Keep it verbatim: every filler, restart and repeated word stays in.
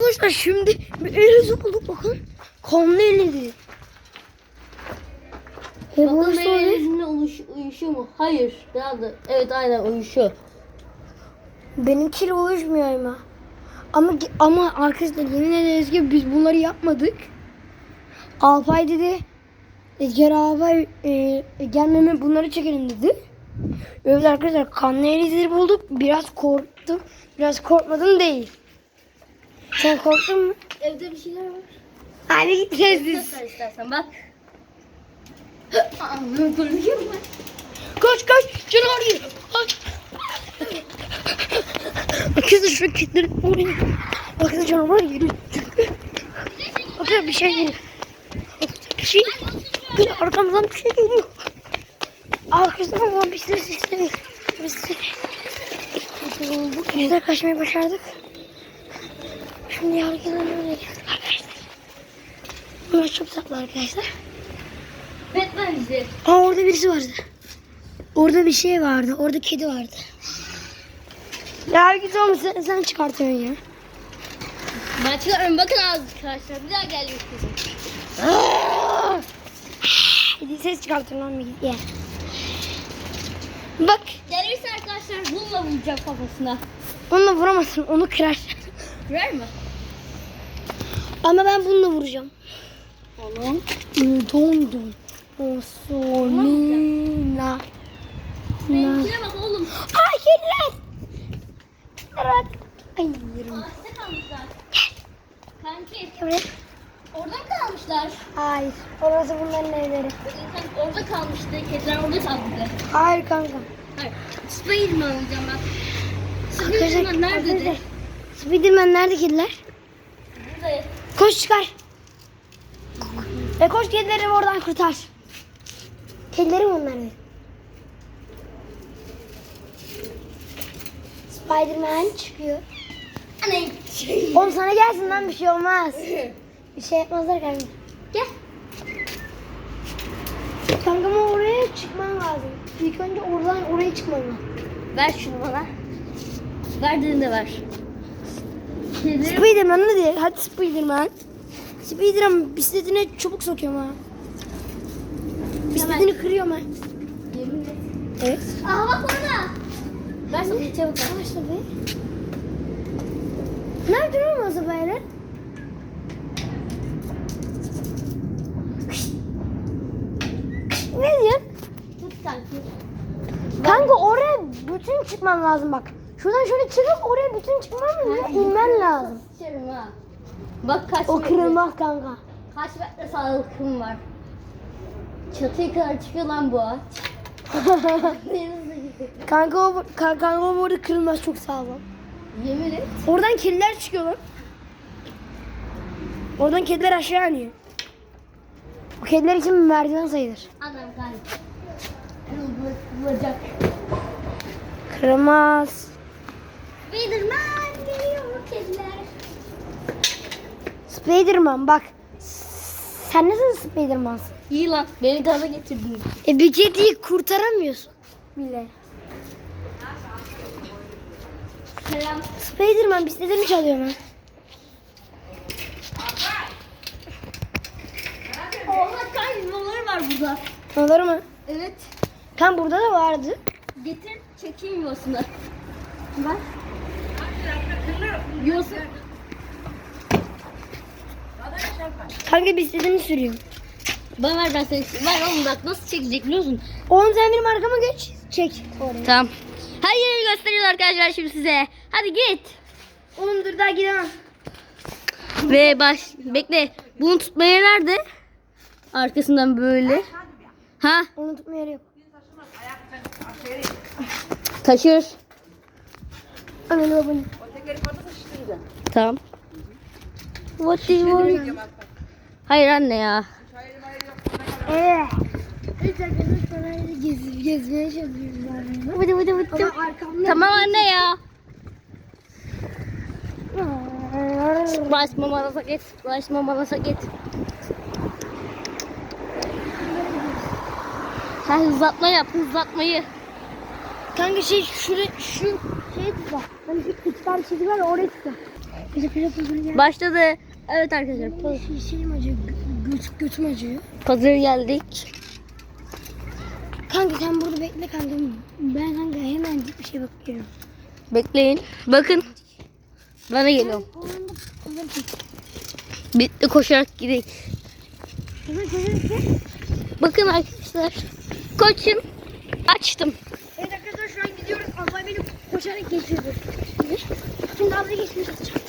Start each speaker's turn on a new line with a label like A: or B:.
A: Arkadaşlar şimdi bir eliz bulduk bakın. Kanlı elizi.
B: Bakalım benim elimle uyuşuyor mu? Hayır. Biraz da. Evet aynen uyuşuyor.
A: Benimkiyle uyuşmuyor ama. Ama ama arkadaşlar yemin ederiz ki biz bunları yapmadık. Alpay dedi. Edgar Alpay e, gelmeme bunları çekelim dedi. Evet arkadaşlar kanlı elizleri bulduk. Biraz korktum. Biraz korkmadım değil. Sen korktun mu?
B: Evde bir şeyler var.
A: Hadi gideceğiz biz.
B: Göster istersen bak. Anladım konuşuyor mu?
A: Koş koş canavar geliyor. Koş. Arkadaşlar şu kitleri oraya. Bakın canavar geliyor. Bakın bir şey geliyor. Bir şey. Bir arkamdan bir şey geliyor. Arkadaşlar ama bir ses istemiyor. Bir ses. Biz de kaçmayı başardık. Şimdi yargıdan öyle geldik arkadaşlar. Bunlar çok tatlı arkadaşlar.
B: Batman bizi.
A: Aa orada birisi vardı. Orada bir şey vardı. Orada kedi vardı. Ya git oğlum sen, sen çıkartıyorsun ya.
B: Ben çıkarıyorum bakın arkadaşlar. Bir daha geliyor kızım.
A: Hadi ses çıkartın lan bir git ya. Bak.
B: Gelirse arkadaşlar bununla vuracağım kafasına.
A: Onunla vuramazsın. Onu kırar.
B: Kırar mı?
A: Ama ben bununla vuracağım.
B: Oğlum.
A: Don don. Osolina.
B: Benimkine bak oğlum.
A: Ay kediler. Evet. Ay yerim.
B: Ağaçta kalmışlar. Kanki.
A: Evet.
B: Orada mı kalmışlar?
A: Hayır. Orası bunların evleri.
B: Kanka orada kalmıştı. Kediler orada kalmıştı.
A: Hayır kanka.
B: Hayır. Spiderman alacağım bak.
A: Arkadaşlar,
B: Spiderman nerededir?
A: arkadaşlar. Spiderman nerede kediler?
B: Burada.
A: Koş çıkar. E koş kedileri oradan kurtar. Kedilerim onlar. Spiderman çıkıyor.
B: Anne.
A: Oğlum sana gelsin lan bir şey olmaz. Bir şey yapmazlar kanka.
B: Gel.
A: Kanka ama oraya çıkman lazım. İlk önce oradan oraya çıkman lazım.
B: Ver şunu bana. Ver dediğinde ver. Kedileri...
A: Spiderman ne diyor? Hadi Spiderman. Spiderman bisikletine çubuk sokuyorum ha. Bisikletini kırıyorum ha.
B: Yemin et.
A: Evet.
B: Aha bak orada. Ver sana çabuk ver.
A: Yavaş tabii. Nerede olmazsa böyle? Ne diyorsun?
B: Tut kanki.
A: Kanka oraya bütün çıkman lazım bak. Şuradan şöyle çıkıp oraya bütün çıkman lazım. İnmen lazım.
B: Sıçarım ha. Bak kaç
A: O
B: metre.
A: kırılmaz kanka.
B: Kaç metre sağlıkım var. Çatıya kadar çıkıyor lan bu ağaç.
A: Kanka o, kanka, kanka o burada kırılmaz çok sağlam.
B: Yemin et.
A: Oradan kediler çıkıyor lan. Oradan kediler aşağı iniyor. Bu kediler için bir merdiven sayılır.
B: Adam kanki. Kırılacak.
A: Kırılmaz.
B: Spiderman geliyor kediler.
A: Spiderman bak. Sen nasıl Spiderman'sın?
B: İyi lan. Beni gaza getirdin.
A: E bir kediyi kurtaramıyorsun bile.
B: Selam.
A: Spiderman bisikletini çalıyor lan.
B: Oha kanki yolları var burada.
A: Olur mu?
B: Evet.
A: Tam burada da vardı.
B: Getir çekeyim yuvasını. Bak. Yuvası.
A: Kanka bisikletini sürüyor.
B: Bana ver ben seni. Ver oğlum bak nasıl çekecek biliyor musun?
A: Oğlum sen benim arkama geç. Çek. Oraya.
B: Tamam. Her yeri gösteriyoruz arkadaşlar şimdi size. Hadi git.
A: Oğlum dur daha gidemem.
B: Ve baş. Bekle. Bunu tutmaya nerede? Arkasından böyle. Ha?
A: Onu tutma yeri yok.
B: Taşır.
A: Anne babanı.
B: Tamam. What do you want? Hayır anne ya.
A: Evet. Evet arkadaşlar gezip gezmeye çalışıyoruz. Vıdı vıdı vıdı. Ama arkamda.
B: Tamam anne ya. Splash mamala saket. Splash mamala saket. Ha hızlatma yap hızlatmayı.
A: Kanka şey şuraya şu şeye tıkla. Hani şu iki tane çizgi var ya oraya tıkla. Bize pire pazarı geldi.
B: Başladı. Evet arkadaşlar.
A: Benim şey- şeyim acıyor. gö- Göt, götüm acıyor.
B: Pazara geldik.
A: Kanka sen burada bekle kanka. Ben kanka hemen bir şey bakıyorum.
B: Bekleyin. Bakın. Bana geliyorum.
A: O anda pazarı çek.
B: Bitti, koşarak gidelim.
A: Pazarı pazarı çek.
B: Bakın arkadaşlar. Koçun. Açtım.
A: Evet arkadaşlar şu an gidiyoruz. Abla beni koşarak geçiyordu. Şimdi abla geçmiş olacak.